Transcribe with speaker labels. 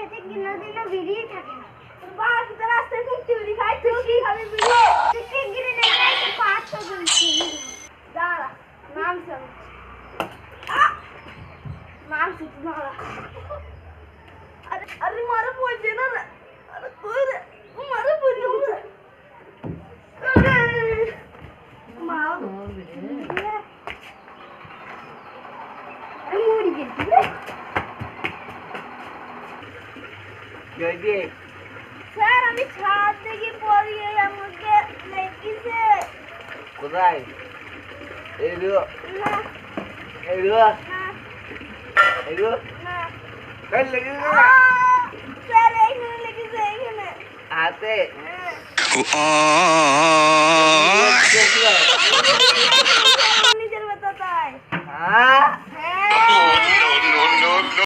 Speaker 1: খেতে কোনোদিনও বেরিয়ে থাকে না। তোর বাবা কি তোর রাস্তায় ঘুরতে বেরি খায়? তুই কি খাবি বেরিয়ে? তুই টিঙ্গিরে নিয়ে যাইতে পারছো বলছি। দাঁড়া, নামছি আমি। নামছি তুই দাঁড়া। আরে মারা পড়ছে না রে। আরে কই রে? মারা পড়ছে না। মা আমি মরে গেছি রে।
Speaker 2: জয়দি
Speaker 1: স্যার আমি ছাদ থেকে পড়িয়ে আমাকে লেগেছে।
Speaker 2: কোথায়? এইগুলো
Speaker 1: না
Speaker 2: এইগুলো
Speaker 1: না
Speaker 2: এইগুলো
Speaker 1: না
Speaker 2: কই লেগেছে না?
Speaker 1: স্যার এইখানে লেগেছে এইখানে।
Speaker 2: হাতে
Speaker 1: নিজের ব্যথা তাই।
Speaker 2: হ্যাঁ
Speaker 1: হ্যাঁ